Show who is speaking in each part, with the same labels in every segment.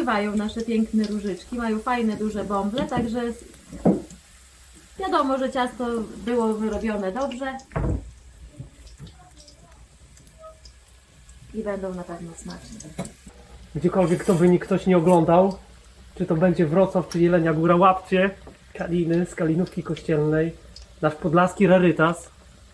Speaker 1: rozpływają nasze piękne różyczki, mają fajne, duże bąble, także wiadomo, że ciasto było wyrobione dobrze i będą na pewno smaczne.
Speaker 2: Gdziekolwiek to by ktoś nie oglądał, czy to będzie Wrocław, czy Jelenia Góra, łapcie kaliny z Kalinówki Kościelnej, nasz podlaski rarytas.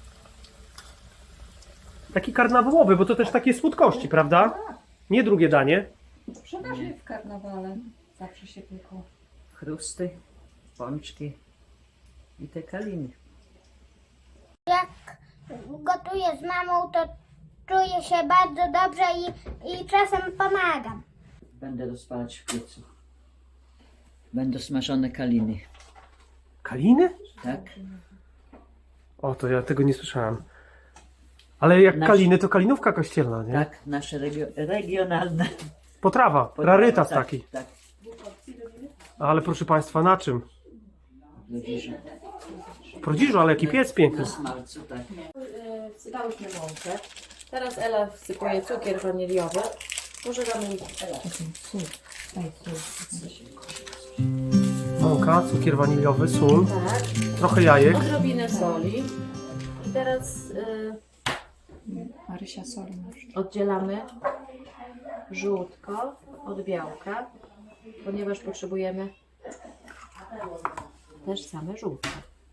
Speaker 2: Taki karnawałowy, bo to też takie słodkości, prawda? Nie drugie danie.
Speaker 3: Przeważnie w karnawale zawsze się piekło.
Speaker 4: Chrusty, pączki i te kaliny.
Speaker 5: Jak gotuję z mamą, to czuję się bardzo dobrze i czasem pomagam.
Speaker 4: Będę rozpalać w piecu. Będą smażone kaliny,
Speaker 2: Kaliny?
Speaker 4: tak?
Speaker 2: O, to ja tego nie słyszałem. Ale jak kaliny, to Kalinówka Kościelna, nie?
Speaker 4: Tak, nasze regionalne.
Speaker 2: Potrawa, rarytas
Speaker 4: tak,
Speaker 2: taki.
Speaker 4: Tak,
Speaker 2: Ale proszę Państwa, na czym?
Speaker 4: do dziś.
Speaker 2: W Prodziżu, ale jaki piec piękny.
Speaker 4: Na smalcu, tak.
Speaker 1: Wsypałyśmy mąkę. Teraz Ela wsypuje cukier waniliowy. Może damy Ela.
Speaker 2: Mąka, cukier waniliowy, sól,
Speaker 1: Tak.
Speaker 2: trochę jajek.
Speaker 1: Odrobinę soli. I teraz
Speaker 3: Marysia soli masz.
Speaker 1: oddzielamy żółtko od białka, ponieważ potrzebujemy też same żółtko.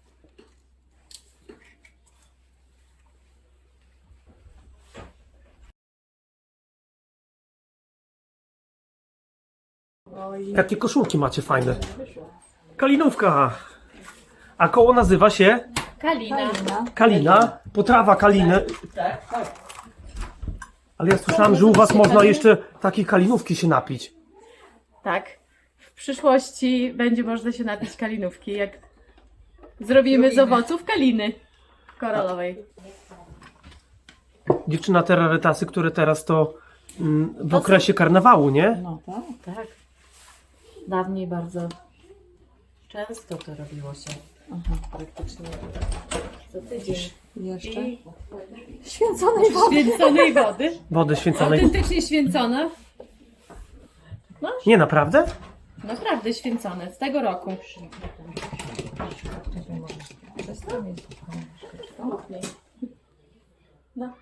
Speaker 2: Jakie koszulki macie fajne. Kalinówka. A koło nazywa się
Speaker 1: Kalina.
Speaker 2: Kalina. Potrawa kaliny.
Speaker 4: Tak, tak.
Speaker 2: Ale ja słyszałem, że u was można jeszcze takiej kalinówki się napić.
Speaker 1: Tak. W przyszłości będzie można się napić kalinówki, jak zrobimy z owoców kaliny koralowej.
Speaker 2: Dziewczyna, te rarytasy, które teraz to w okresie karnawału, nie?
Speaker 3: No tak.
Speaker 1: Tak. Dawniej bardzo często to robiło się. Praktycznie co tydzień.
Speaker 3: Jeszcze?
Speaker 1: I
Speaker 3: Święconej wody.
Speaker 1: święconej wody.
Speaker 2: Wody święconej.
Speaker 1: Autentycznie święcona.
Speaker 2: Nie, naprawdę?
Speaker 1: Naprawdę święcone, z tego roku. No.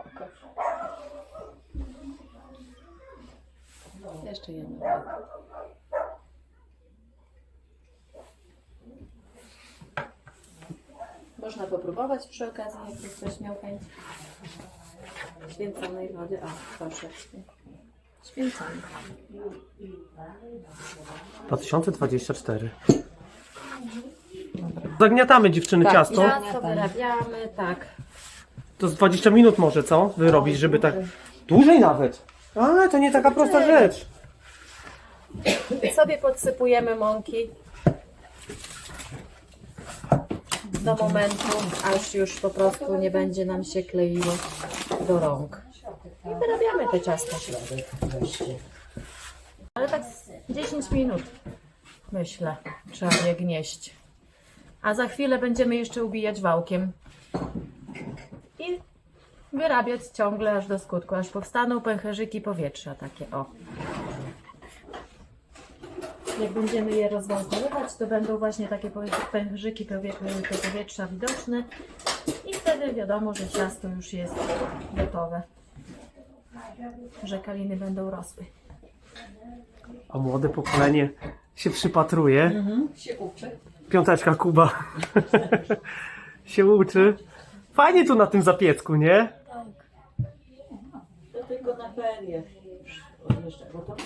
Speaker 1: Jeszcze jedno. Można popróbować przy okazji, jakby ktoś miał chęć święconej wody. O, proszę. Święconej.
Speaker 2: 2024. Zagniatamy dziewczyny ciasto.
Speaker 1: Ciasto wyrabiamy, tak.
Speaker 2: To z 20 minut może, co? Wyrobić, żeby tak... Dłużej nawet. A, to nie taka prosta rzecz.
Speaker 1: Sobie podsypujemy mąki do momentu, aż już po prostu nie będzie nam się kleiło do rąk. I wyrabiamy te ciasto. Ale tak z 10 minut, myślę, trzeba je gnieść. A za chwilę będziemy jeszcze ubijać wałkiem. I wyrabiać ciągle aż do skutku, aż powstaną pęcherzyki powietrza takie, o. Jak będziemy je rozwałkowywać, to będą właśnie takie pęcherzyki powietrza widoczne i wtedy wiadomo, że ciasto już jest gotowe, że kaliny będą rosły.
Speaker 2: A młode pokolenie się przypatruje.
Speaker 3: Się uczy.
Speaker 2: Piąteczka Kuba. się uczy. Fajnie tu na tym zapiecku, nie?
Speaker 4: To tylko na feriach. Bo to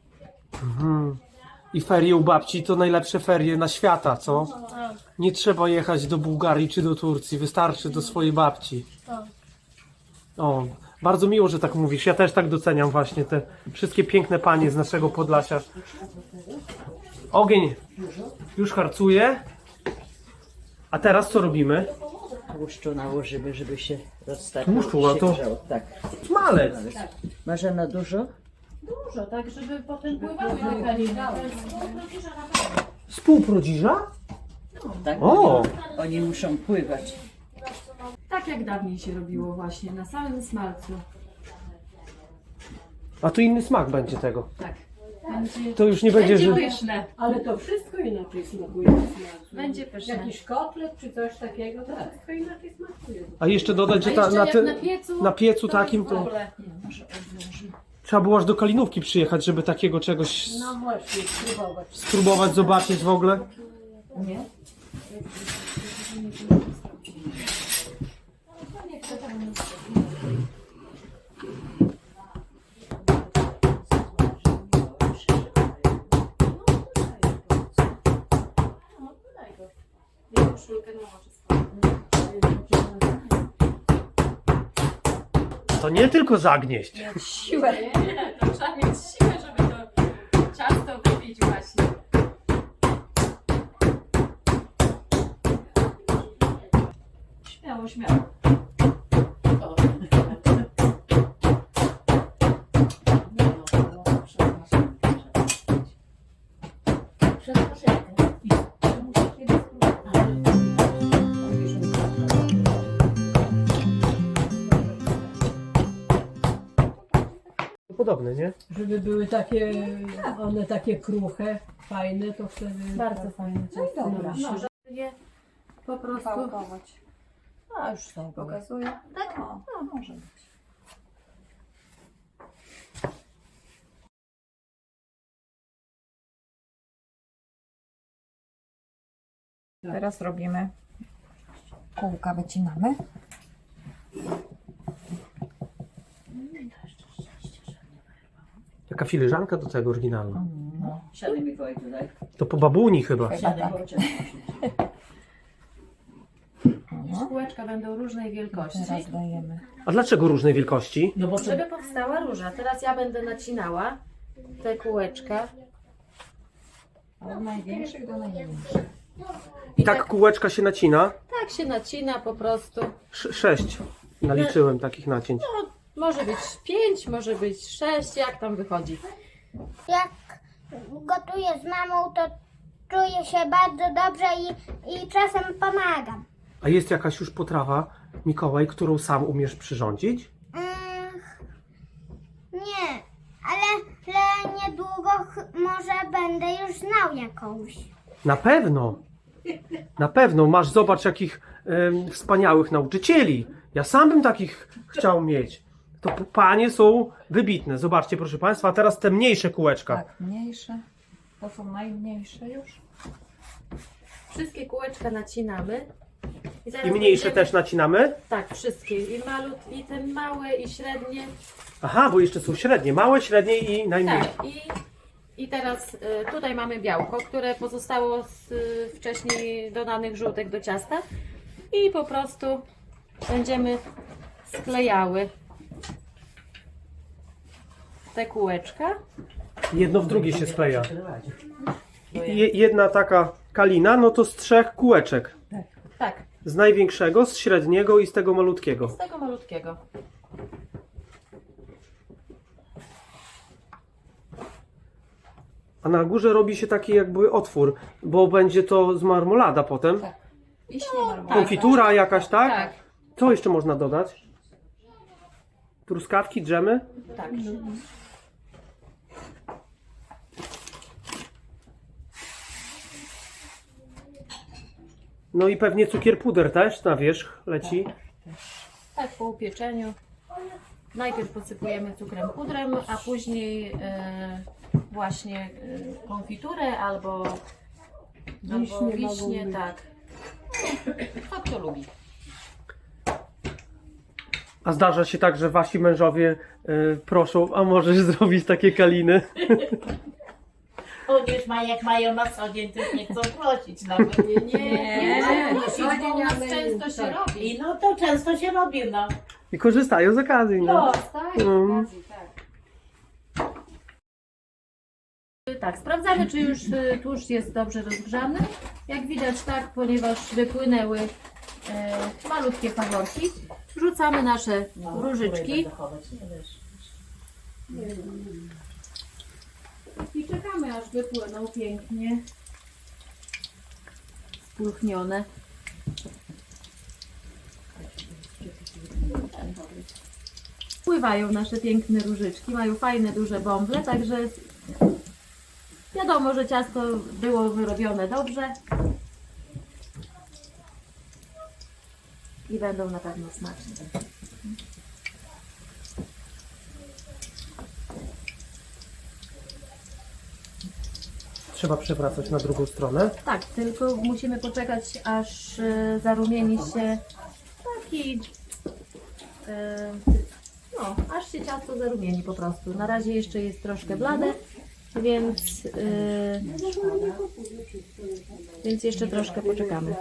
Speaker 2: I ferie u babci to najlepsze ferie na świata, co? Nie trzeba jechać do Bułgarii czy do Turcji, wystarczy do swojej babci. O, bardzo miło, że tak mówisz. Ja też tak doceniam właśnie te wszystkie piękne panie z naszego Podlasia. Ogień już harcuje. A teraz co robimy?
Speaker 4: tłuszczu nałożymy, żeby się rozstawił.
Speaker 2: Tłuszczu, a to-
Speaker 4: Tak.
Speaker 2: Smalec.
Speaker 4: Marzena dużo?
Speaker 1: Dużo, tak, żeby potem pływały te kaliny.
Speaker 2: Z pół prodziża?
Speaker 4: Tak.
Speaker 2: O!
Speaker 4: Oni muszą pływać.
Speaker 1: Tak jak dawniej się robiło właśnie, na samym smalcu.
Speaker 2: A tu inny smak będzie tego.
Speaker 1: Tak.
Speaker 2: To już nie będzie, że...
Speaker 1: pyszne.
Speaker 6: Ale to wszystko inaczej smakuje. niż na-
Speaker 1: Będzie pyszne.
Speaker 6: Jakiś kotlet czy coś takiego, to wszystko inaczej smakuje.
Speaker 2: A jeszcze dodać, że
Speaker 1: A jeszcze
Speaker 2: na,
Speaker 1: jak
Speaker 2: te,
Speaker 1: na piecu,
Speaker 2: na piecu
Speaker 1: to
Speaker 2: takim
Speaker 1: w
Speaker 2: to
Speaker 1: ogóle.
Speaker 2: trzeba było aż do Kalinówki przyjechać, żeby takiego czegoś
Speaker 6: No właśnie, spróbować.
Speaker 2: spróbować, zobaczyć w ogóle. To nie tylko zagnieść.
Speaker 3: Siłę.
Speaker 1: To trzeba mieć siłę, żeby to ciasto wypić właśnie.
Speaker 4: Śmiało, śmiało.
Speaker 2: Podobne, nie?
Speaker 6: Żeby były takie, one takie kruche, fajne, to wtedy...
Speaker 1: Bardzo fajne ciasto.
Speaker 3: Dobra.
Speaker 1: Je po prostu.
Speaker 3: Wałkować.
Speaker 1: A już są.
Speaker 3: Pokazuję? Tak? O, no, może być. Teraz robimy kółka, wycinamy.
Speaker 2: Taka filiżanka do tego oryginalna.
Speaker 4: Siadaj Mikołaj tutaj.
Speaker 2: To po babuni chyba.
Speaker 4: Siadaj, bo cię
Speaker 1: Kółeczka będą różnej wielkości.
Speaker 3: Teraz dajemy.
Speaker 2: A dlaczego różnej wielkości?
Speaker 4: No bo
Speaker 1: Żeby powstała róża. Teraz ja będę nacinała te kółeczka.
Speaker 3: Od największych do najmniejszych.
Speaker 2: I tak kółeczka się nacina.
Speaker 1: Tak się nacina po prostu.
Speaker 2: 6 naliczyłem takich nacięć.
Speaker 1: Może być 5, może być 6, jak tam wychodzi.
Speaker 5: Jak gotuję z mamą, to czuję się bardzo dobrze i czasem pomagam.
Speaker 2: A jest jakaś już potrawa, Mikołaj, którą sam umiesz przyrządzić?
Speaker 5: Nie, ale niedługo może będę już znał jakąś.
Speaker 2: Na pewno. Na pewno. Masz, zobacz, jakich wspaniałych nauczycieli. Ja sam bym takich chciał mieć. To panie są wybitne. Zobaczcie, proszę Państwa, a teraz te mniejsze kółeczka.
Speaker 3: Tak, mniejsze. To są najmniejsze już.
Speaker 1: Wszystkie kółeczka nacinamy. zaraz
Speaker 2: I mniejsze
Speaker 1: będziemy-
Speaker 2: też nacinamy?
Speaker 1: Tak, wszystkie. I i te małe, i średnie.
Speaker 2: Aha, bo jeszcze są średnie. Małe, średnie i najmniejsze.
Speaker 1: Tak, i teraz tutaj mamy białko, które pozostało z wcześniej dodanych żółtek do ciasta. I po prostu będziemy sklejały te kółeczka.
Speaker 2: Jedno w drugie się skleja. Jedna taka kalina, no to z 3 kółeczek.
Speaker 1: Tak,
Speaker 2: Z największego, z średniego i z tego malutkiego.
Speaker 1: z tego malutkiego.
Speaker 2: A na górze robi się taki jakby otwór, bo będzie to z marmolada potem.
Speaker 3: Tak. Wiśnie marmolada.
Speaker 2: Konfitura jakaś, tak?
Speaker 1: Tak,
Speaker 2: Co jeszcze można dodać? Truskawki, dżemy?
Speaker 1: tak.
Speaker 2: No i pewnie cukier puder też na wierzch leci.
Speaker 1: Tak, po upieczeniu. Najpierw posypujemy cukrem pudrem, a później właśnie konfiturę albo wiśnie, tak. Kto lubi.
Speaker 2: A zdarza się tak, że wasi mężowie proszą, a możesz zrobić takie kaliny?
Speaker 7: Chociaż jak mają na co dzień, to nie chcą prosić nawet.
Speaker 1: Nie,
Speaker 6: na
Speaker 1: bo
Speaker 6: co dzień,
Speaker 1: u nas
Speaker 6: ale-
Speaker 1: często się
Speaker 6: tak.
Speaker 1: robi.
Speaker 7: I no to często się robi, no.
Speaker 2: I korzystają z okazji, no.
Speaker 1: Tak,
Speaker 2: Mm.
Speaker 1: tak, sprawdzamy, czy już tłuszcz jest dobrze rozgrzany. Jak widać, tak, ponieważ wypłynęły malutkie faworki, wrzucamy nasze różyczki i czekamy, aż wypłyną pięknie spulchnione. Pływają nasze piękne różyczki, mają fajne, duże bąble, także Wiadomo, że ciasto było wyrobione dobrze. I będą na pewno smaczne.
Speaker 2: Trzeba przewracać na drugą stronę.
Speaker 1: Tak, tylko musimy poczekać, aż zarumieni się taki... no, aż się ciasto zarumieni po prostu. Na razie jeszcze jest troszkę blade, więc jeszcze troszkę poczekamy.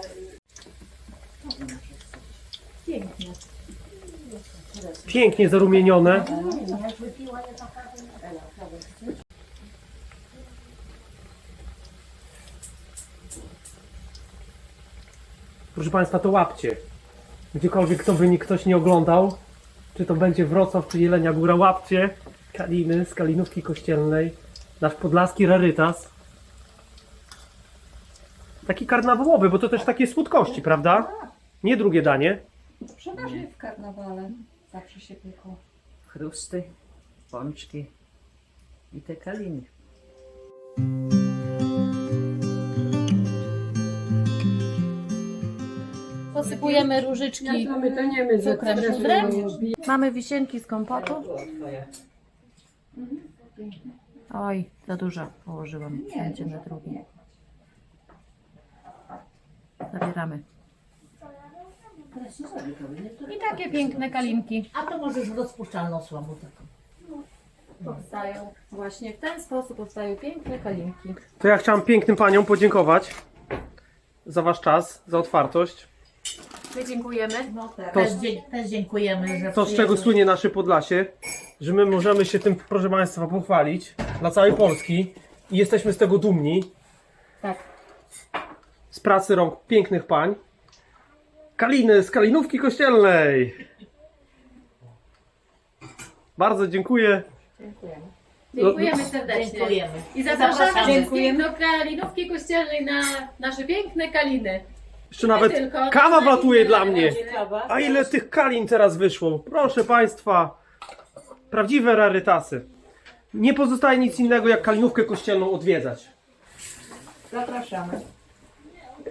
Speaker 1: Pięknie.
Speaker 2: Pięknie zarumienione. Proszę Państwa, to łapcie. Gdziekolwiek to by ktoś nie oglądał, czy to będzie Wrocław, czy Jelenia Góra, łapcie kaliny z Kalinówki Kościelnej. Nasz podlaski rarytas. Taki karnawałowy, bo to też takie słodkości, prawda? Nie drugie danie.
Speaker 3: Przeważnie w karnawale zawsze się pieką.
Speaker 4: Chrusty, pączki i te kaliny.
Speaker 1: Posypujemy różyczki
Speaker 6: My to nie my za
Speaker 1: cukrem pudrem. Mamy wisienki z kompotu. Oj, za dużo położyłam. Będzie na drugi. Zabieramy. I takie piękne kalinki
Speaker 7: A to możesz w rozpuszczalną słomę taką.
Speaker 1: powstają. Właśnie w ten sposób powstają piękne kalinki.
Speaker 2: To ja chciałam pięknym paniom podziękować za Wasz czas, za otwartość.
Speaker 1: My dziękujemy.
Speaker 7: Też dziękujemy, że
Speaker 2: To, z czego słynie nasze Podlasie, że my możemy się tym, proszę Państwa, pochwalić dla całej Polski i jesteśmy z tego dumni.
Speaker 1: Tak.
Speaker 2: Z pracy rąk pięknych pań. Kaliny z Kalinówki Kościelnej. Bardzo dziękuję.
Speaker 1: Dziękujemy serdecznie.
Speaker 7: Dziękujemy.
Speaker 1: I zapraszamy wszystkich
Speaker 3: Dziękujemy.
Speaker 1: do Kalinówki Kościelnej na nasze piękne kaliny.
Speaker 2: Jeszcze nawet
Speaker 1: tylko.
Speaker 2: kawa wlatuje dla mnie.
Speaker 7: Ciekawa.
Speaker 2: A ile tych kalin teraz wyszło? Proszę Państwa, prawdziwe rarytasy. Nie pozostaje nic innego jak Kalinówkę Kościelną odwiedzać.
Speaker 3: Zapraszamy.